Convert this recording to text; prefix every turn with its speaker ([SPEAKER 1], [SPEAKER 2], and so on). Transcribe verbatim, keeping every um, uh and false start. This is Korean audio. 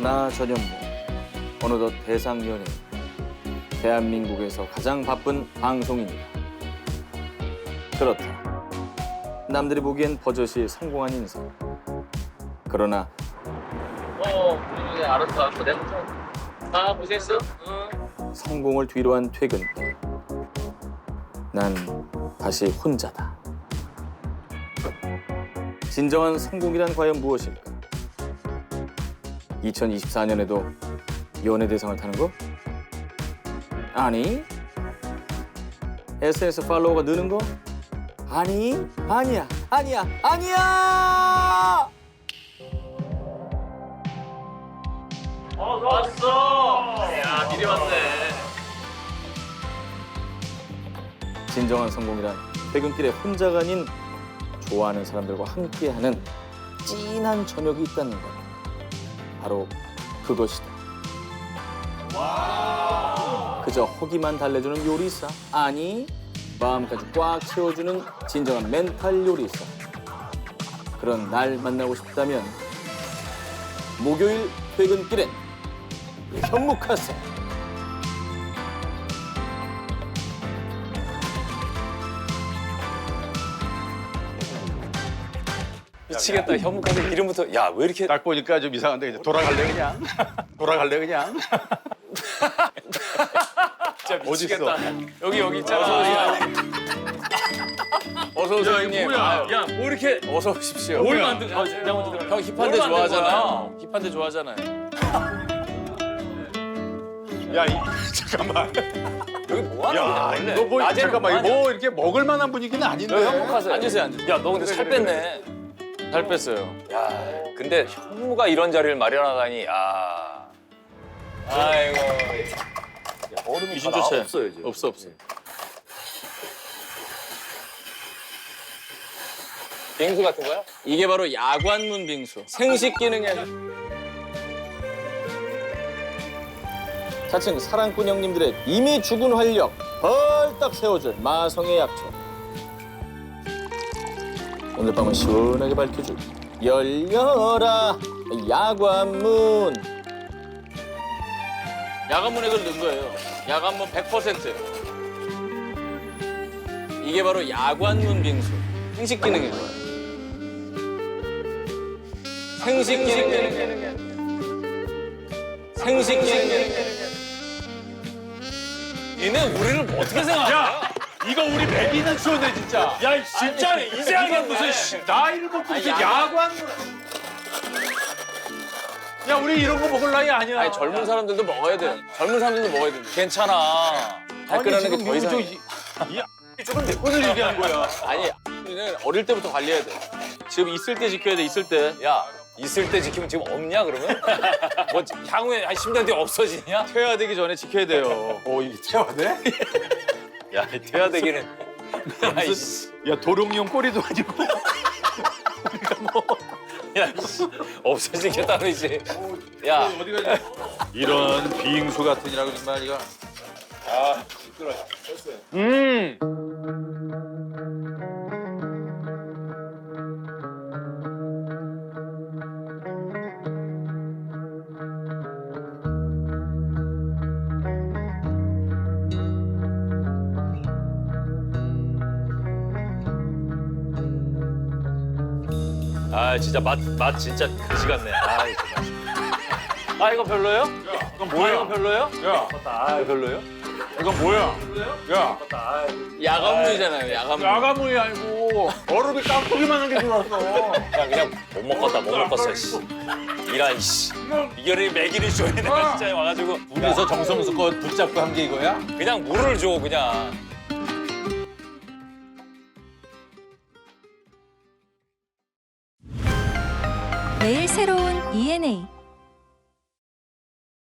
[SPEAKER 1] 나 전현무 어느덧 대상 연예인, 대한민국에서 가장 바쁜 방송인이다. 그렇다. 남들이 보기엔 버젓이 성공한 인생. 그러나
[SPEAKER 2] 어, 그래, 알았어, 알았어. 내가 좀. 아, 고생했어? 응.
[SPEAKER 1] 성공을 뒤로한 퇴근길. 난 다시 혼자다. 진정한 성공이란 과연 무엇일까? 이천이십사 년에도 연예대상을 타는 거? 아니. 에스엔에스 팔로워가 느는 거? 아니, 아니야, 아니야, 아니야!
[SPEAKER 2] 어, 왔어. 야, 미리 왔네.
[SPEAKER 1] 진정한 성공이란 퇴근길에 혼자가 아닌 좋아하는 사람들과 함께하는 찐한 저녁이 있다는 것. 바로 그것이다. 그저 허기만 달래주는 요리사? 아니, 마음까지 꽉 채워주는 진정한 멘탈 요리사. 그런 날 만나고 싶다면 목요일 퇴근길엔 현묵하세.
[SPEAKER 2] 미치겠다. 현묵하게 이름부터. 야, 왜 이렇게.
[SPEAKER 3] 딱 보니까 좀 이상한데 이제 돌아갈래 그냥? 돌아갈래 그냥?
[SPEAKER 2] 진짜 미치겠다.
[SPEAKER 3] 어딨어?
[SPEAKER 2] 여기, 여기 있잖아. 어서 오세요, 형님.
[SPEAKER 3] 뭐야?
[SPEAKER 2] 야, 뭐 이렇게. 어서 오십시오.
[SPEAKER 3] 뭘
[SPEAKER 2] 만든 아, 내가 먼저 들어가. 형 힙한데 좋아하잖아. 힙한데 좋아하잖아요.
[SPEAKER 3] 야, 이, 잠깐만.
[SPEAKER 2] 여기 뭐 하는 거야,
[SPEAKER 3] 야,
[SPEAKER 2] 원래?
[SPEAKER 3] 너 뭐,
[SPEAKER 2] 낮에는
[SPEAKER 3] 잠깐만,
[SPEAKER 2] 뭐
[SPEAKER 3] 이거 뭐 이렇게 먹을 만한 분위기는 아닌데.
[SPEAKER 2] 하냐? 현묵하세요. 앉으세요, 앉으세요. 야, 너 근데 살 뺐네. 살 뺐어요. 야, 근데 현무가 이런 자리를 마련하다니, 야. 아이고. 얼음이 다 나와 없어요, 이제.
[SPEAKER 1] 없어, 없어.
[SPEAKER 2] 빙수 같은 거야?
[SPEAKER 1] 이게 바로 야관문 빙수. 생식 기능이 아니야. 차츰 사랑꾼 형님들의 이미 죽은 활력 벌떡 세워줄 마성의 약초. 오늘 밤은 시원하게 밝혀줄 열려라 야관문. 야관문에 그걸 넣은 거예요. 야관문 백 퍼센트. 이게 바로 야관문 빙수. 생식 기능인 거예요. 생식 기능. 생식 기능.
[SPEAKER 2] 얘네 우리를 뭐 어떻게 생각하냐?
[SPEAKER 3] 야, 이거 우리 매기는 쇼네 진짜.
[SPEAKER 2] 야, 진짜네. 이제 하겠네.
[SPEAKER 3] 무슨 씨, 나이를 먹고 무슨
[SPEAKER 1] 아니,
[SPEAKER 3] 야관. 야, 우리 이런 거 먹을 나이 아니야.
[SPEAKER 2] 아니, 젊은 사람들도 먹어야 돼. 젊은 사람들도 먹어야 돼. 괜찮아. 발끈하는 게 더 이상.
[SPEAKER 3] 이 조금 내 것을 얘기한 거야.
[SPEAKER 1] 아니, 우리는 어릴 때부터 관리해야 돼. 지금 있을 때 지켜야 돼, 있을 때.
[SPEAKER 2] 야, 있을 때 지키면 지금 없냐 그러면? 뭐 향후에 한 십 년 뒤에 없어지냐?
[SPEAKER 1] 퇴화되기 전에 지켜야 돼요.
[SPEAKER 3] 어, 이게 태화돼?
[SPEAKER 2] 야, 퇴화되기는. 야이씨.
[SPEAKER 3] 야, 도룡뇽 꼬리도 아니고.
[SPEAKER 2] 야, 이씨. 없어지겠다는 이제. 야,
[SPEAKER 3] 어디 가냐? 이런 빙수 같은 이라고 정말 이거. 아, 시끄러. 음.
[SPEAKER 2] 아, 진짜 맛, 맛 진짜 그지 같네. 아, 이거 정말. 아, 이거 별로예요?
[SPEAKER 3] 이건
[SPEAKER 2] 아,
[SPEAKER 3] 뭐야?
[SPEAKER 2] 이거 별로예요?
[SPEAKER 3] 야,
[SPEAKER 2] 아, 이거 별로예요?
[SPEAKER 3] 이건 뭐야? 야,
[SPEAKER 1] 야간문이잖아요, 야간문.
[SPEAKER 3] 야가문이 아니고 얼음이 깍두기만한 게 들어왔어.
[SPEAKER 2] 그냥 그냥 못 먹겠다, 못 먹겠어, 씨. 이란, 씨. 이거를 먹이를 줘야 내가 진짜 와가지고.
[SPEAKER 3] 둘이서 정성스껏 붙잡고 한 게 이거야?
[SPEAKER 2] 그냥 물을 줘, 그냥.
[SPEAKER 4] 매일 새로운 이엔에이